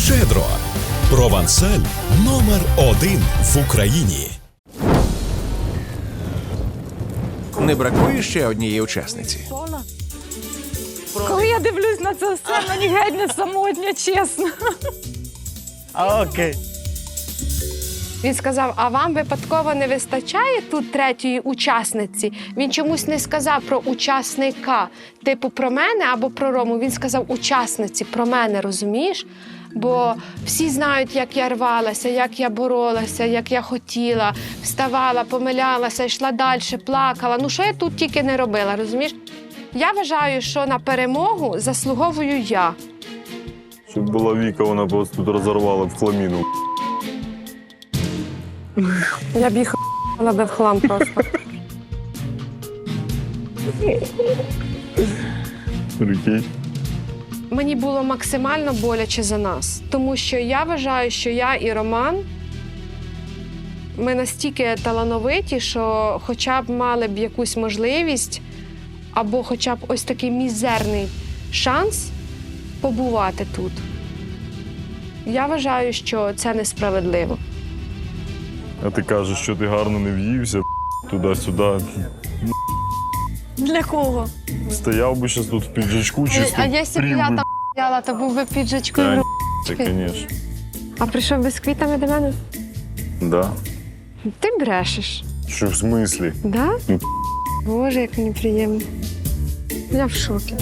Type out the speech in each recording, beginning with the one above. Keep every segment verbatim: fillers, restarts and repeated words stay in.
Щедро. Провансаль номер один в Україні. Не бракує ще однієї учасниці. Коли я дивлюсь на це все, мені геть не самотня, чесно. Окей. Він сказав, а вам випадково не вистачає тут третьої учасниці? Він чомусь не сказав про учасника, типу про мене або про Рому. Він сказав учасниці, про мене, розумієш? Бо всі знають, як я рвалася, як я боролася, як я хотіла, вставала, помилялася, йшла далі, плакала. Ну, що я тут тільки не робила, розумієш? Я вважаю, що на перемогу заслуговую я. Щоб була Віка, вона б вас тут розорвала в хламіну. Я б їх ***ла в хлам просто. Прикинь. Мені було максимально боляче за нас, тому що я вважаю, що я і Роман, ми настільки талановиті, що хоча б мали б якусь можливість або хоча б ось такий мізерний шанс побувати тут. Я вважаю, що це несправедливо. А ти кажеш, що ти гарно не в'ївся, туди-сюди. Для кого? Стояв би зараз тут в піджачку, чисто А якщо б прів я би. там стояла, то був би піджачкою. Та, в Це, ручки. звісно. А прийшов би з квітами до мене? Да. Ти брешеш. Що в смислі? Да? Ну, Боже, як мені приємно. Я в шокі.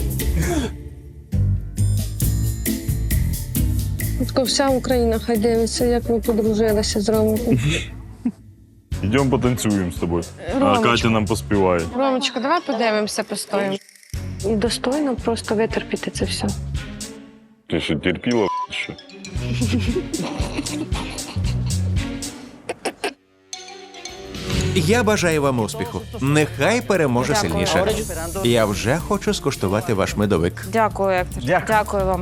От вся Україна хай дивиться, як ми подружилися з Ромиком. Йдемо потанцюємо з тобою. А Ромочка. Катя нам поспіває. Ромочка, давай подивимося, постоїмо. І достойно просто витерпіти це все. Ти що, терпіла, що? Я бажаю вам успіху. Нехай переможе сильніше. Я вже хочу скуштувати ваш медовик. Дякую, Ектор. Дякую. Дякую вам.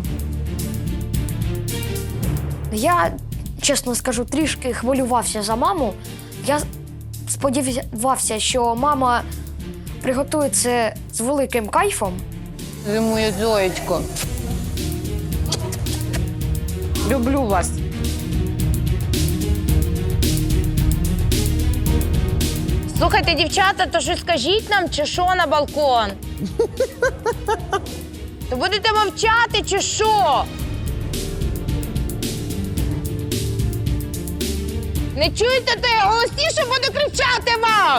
Я, чесно скажу, трішки хвилювався за маму. Я сподівався, що мама приготує це з великим кайфом. Ви моє зоєчко. Люблю вас. Слухайте, дівчата, то що скажіть нам, чи що на балкон? То будете мовчати, чи що? Не чуєте, то я голосніше буду кричати вам!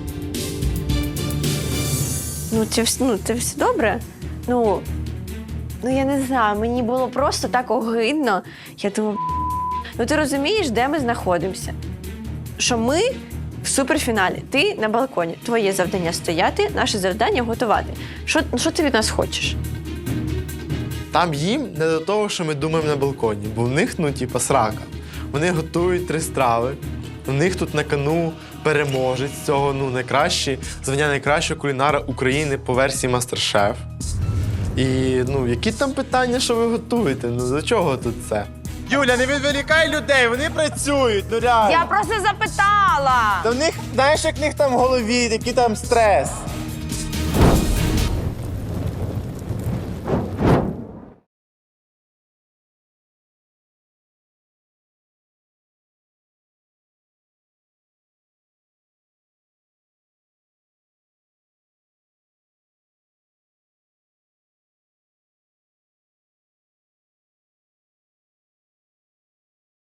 Ну, це, вс- ну, це все добре. Ну, ну, я не знаю, мені було просто так огидно. Я думаю, ну ти розумієш, де ми знаходимося? Що ми в суперфіналі, ти на балконі. Твоє завдання стояти, наше завдання готувати. Що, що ти від нас хочеш? Там їм не до того, що ми думаємо на балконі, бо в них, ну, типа, срака. Вони готують три страви, у них тут на кону переможець цього, ну, найкращий, звання найкращого кулінара України по версії Мастер-Шеф. І, ну, які там питання, що ви готуєте? Ну, до чого тут це? Юля, не відволікай людей, вони працюють, ну реально. Я просто запитала. Та в них, знаєш, як в них там в голові, який там стрес.